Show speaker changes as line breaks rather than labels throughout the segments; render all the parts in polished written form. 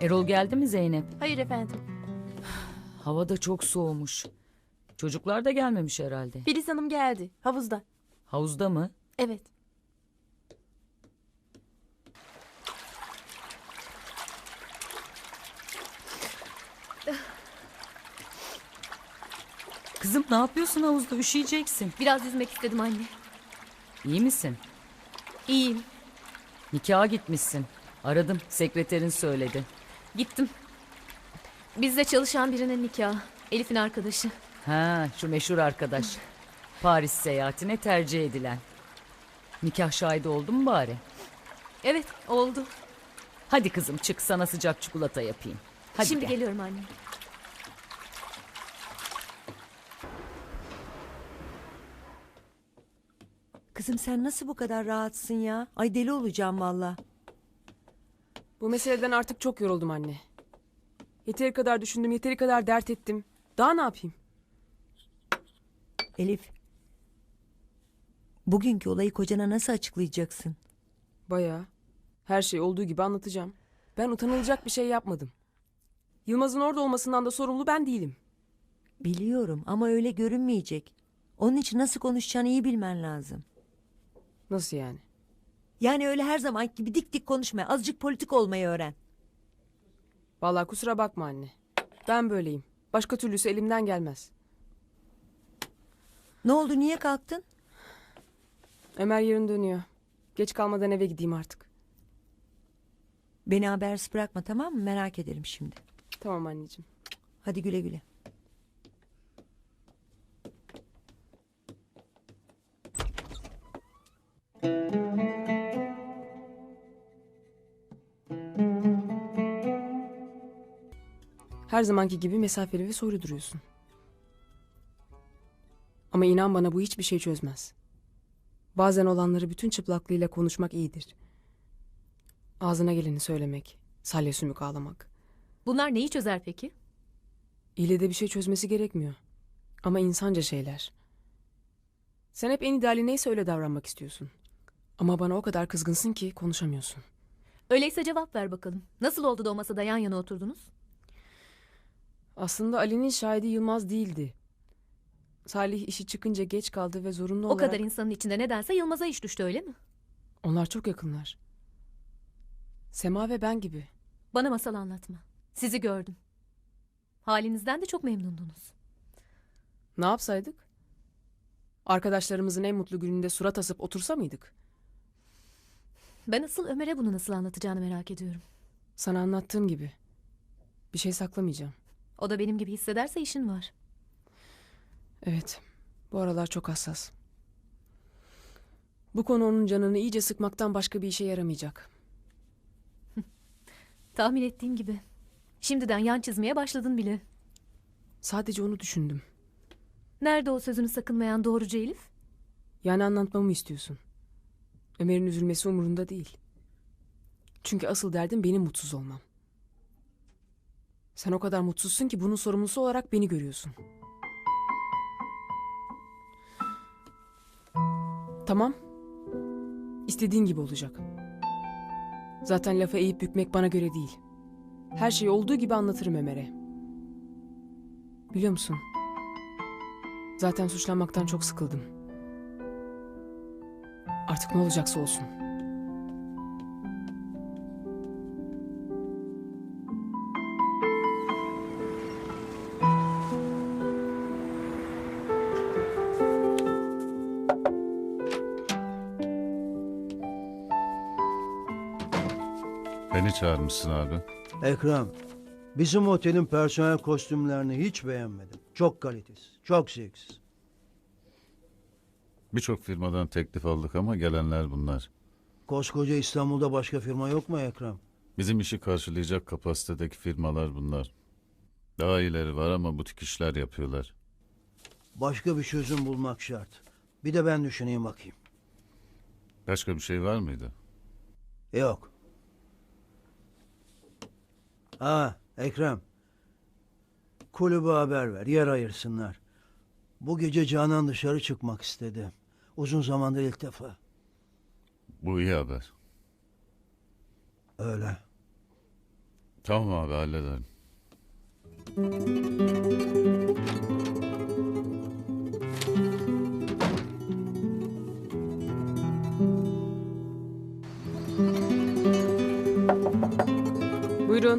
Erol geldi mi Zeynep?
Hayır efendim.
Hava da çok soğumuş. Çocuklar da gelmemiş herhalde.
Filiz Hanım geldi. Havuzda.
Havuzda mı?
Evet.
Kızım ne yapıyorsun havuzda? Üşüyeceksin.
Biraz yüzmek istedim anne.
İyi misin?
İyiyim.
Nikaha gitmişsin. Aradım. Sekreterin söyledi.
Gittim. Bizde çalışan birinin nikahı. Elif'in arkadaşı.
Ha, şu meşhur arkadaş. Paris seyahatine tercih edilen. Nikah şahidi oldun mu bari?
Evet, oldu.
Hadi kızım çık sana sıcak çikolata yapayım. Hadi
Şimdi
gel.
geliyorum anne.
Kızım sen nasıl bu kadar rahatsın ya? Ay deli olacağım valla.
Bu meseleden artık çok yoruldum anne. Yeteri kadar düşündüm, yeteri kadar dert ettim. Daha ne yapayım?
Elif. Bugünkü olayı kocana nasıl açıklayacaksın?
Bayağı. Her şey olduğu gibi anlatacağım. Ben utanılacak bir şey yapmadım. Yılmaz'ın orada olmasından da sorumlu ben değilim.
Biliyorum ama öyle görünmeyecek. Onun için nasıl konuşacağını iyi bilmen lazım.
Nasıl yani?
Yani öyle her zaman gibi dik dik konuşma. Azıcık politik olmayı öğren.
Vallahi kusura bakma anne. Ben böyleyim. Başka türlüsü elimden gelmez.
Ne oldu niye kalktın?
Ömer yarın dönüyor. Geç kalmadan eve gideyim artık.
Beni habersiz bırakma tamam mı? Merak ederim şimdi.
Tamam anneciğim.
Hadi güle güle.
Her zamanki gibi mesafeli ve soru duruyorsun. Ama inan bana bu hiçbir şey çözmez. Bazen olanları bütün çıplaklığıyla konuşmak iyidir. Ağzına geleni söylemek, salya sümük ağlamak.
Bunlar neyi çözer peki?
İlle de bir şey çözmesi gerekmiyor. Ama insanca şeyler. Sen hep en ideali neyse öyle davranmak istiyorsun. Ama bana o kadar kızgınsın ki konuşamıyorsun.
Öyleyse cevap ver bakalım. Nasıl oldu da o masada yan yana oturdunuz?
Aslında Ali'nin şahidi Yılmaz değildi. Salih işi çıkınca geç kaldı ve zorunlu
O
olarak...
kadar insanın içinde nedense Yılmaz'a iş düştü öyle mi?
Onlar çok yakınlar. Sema ve ben gibi.
Bana masal anlatma. Sizi gördüm. Halinizden de çok memnundunuz.
Ne yapsaydık? Arkadaşlarımızın en mutlu gününde surat asıp otursa mıydık?
Ben asıl Ömer'e bunu nasıl anlatacağını merak ediyorum.
Sana anlattığım gibi. Bir şey saklamayacağım.
O da benim gibi hissederse işin var.
Evet, bu aralar çok hassas. Bu konu onun canını iyice sıkmaktan başka bir işe yaramayacak.
Tahmin ettiğim gibi. Şimdiden yan çizmeye başladın bile.
Sadece onu düşündüm.
Nerede o sözünü sakınmayan doğrucu Elif?
Yani anlatmamı istiyorsun. Ömer'in üzülmesi umurunda değil. Çünkü asıl derdim benim mutsuz olmam. Sen o kadar mutsuzsun ki bunun sorumlusu olarak beni görüyorsun. Tamam. İstediğin gibi olacak. Zaten lafa eğip bükmek bana göre değil. Her şeyi olduğu gibi anlatırım Ömer'e. Biliyor musun? Zaten suçlanmaktan çok sıkıldım. Artık ne olacaksa olsun.
Beni çağırmışsın abi.
Ekrem, bizim otelin personel kostümlerini hiç beğenmedim. Çok kalitesiz, çok zevksiz.
Birçok firmadan teklif aldık ama gelenler bunlar.
Koskoca İstanbul'da başka firma yok mu Ekrem?
Bizim işi karşılayacak kapasitedeki firmalar bunlar. Daha iyileri var ama butik işler yapıyorlar.
Başka bir çözüm bulmak şart. Bir de ben düşüneyim bakayım.
Başka bir şey var mıydı?
Yok. Ekrem. Kulübe haber ver, yer ayırsınlar. Bu gece Canan dışarı çıkmak istedi. Uzun zamandır ilk defa.
Bu iyi haber.
Öyle.
Tamam abi hallederim.
Buyurun.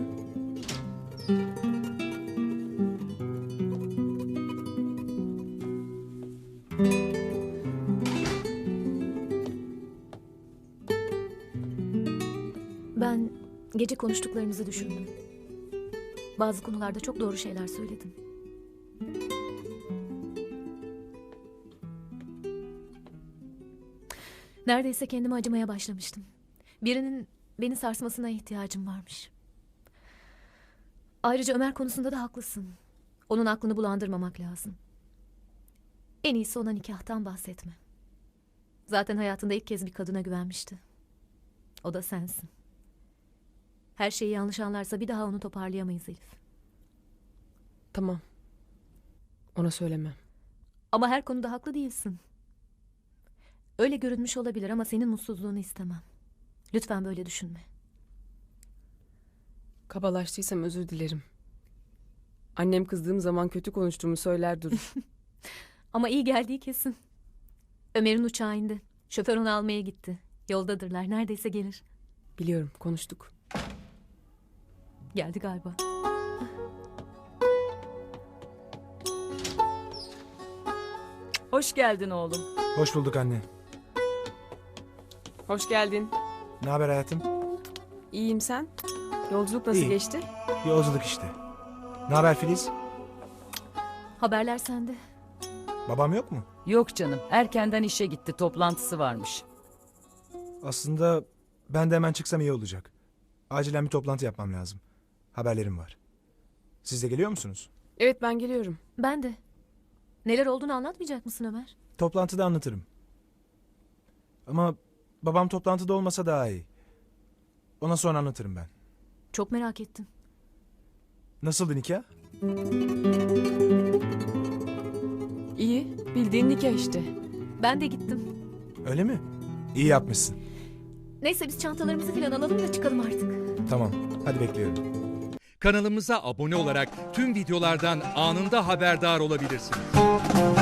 Ben gece konuştuklarımızı düşündüm. Bazı konularda çok doğru şeyler söyledin. Neredeyse kendime acımaya başlamıştım. Birinin beni sarsmasına ihtiyacım varmış. Ayrıca Ömer konusunda da haklısın. Onun aklını bulandırmamak lazım. En iyisi ona nikahtan bahsetme. Zaten hayatında ilk kez bir kadına güvenmişti. O da sensin. Her şeyi yanlış anlarsa bir daha onu toparlayamayız Elif.
Tamam. Ona söylemem.
Ama her konuda haklı değilsin. Öyle görünmüş olabilir ama senin mutsuzluğunu istemem. Lütfen böyle düşünme.
Kabalaştıysam özür dilerim. Annem kızdığım zaman kötü konuştuğumu söyler durur.
Ama iyi geldiği kesin. Ömer'in uçağı indi. Şoför onu almaya gitti. Yoldadırlar. Neredeyse gelir.
Biliyorum, konuştuk.
Geldi galiba.
Hoş geldin oğlum.
Hoş bulduk anne.
Hoş geldin.
Ne haber hayatım?
İyiyim sen? Yolculuk nasıl
İyi.
geçti?
Yolculuk işte. Ne haber Filiz?
Haberler sende.
Babam yok mu?
Yok canım, erkenden işe gitti, toplantısı varmış.
Aslında ben de hemen çıksam iyi olacak. Acilen bir toplantı yapmam lazım. Haberlerim var. Siz de geliyor musunuz?
Evet, ben geliyorum.
Ben de. Neler olduğunu anlatmayacak mısın Ömer?
Toplantıda anlatırım. Ama babam toplantıda olmasa daha iyi. Ona sonra anlatırım ben.
Çok merak ettim.
Nasıldı nikah?
İyi, bildiğin nikah işte.
Ben de gittim.
Öyle mi? İyi yapmışsın.
Neyse biz çantalarımızı falan alalım da çıkalım artık.
Tamam. Hadi bekliyorum.
Kanalımıza abone olarak tüm videolardan anında haberdar olabilirsiniz.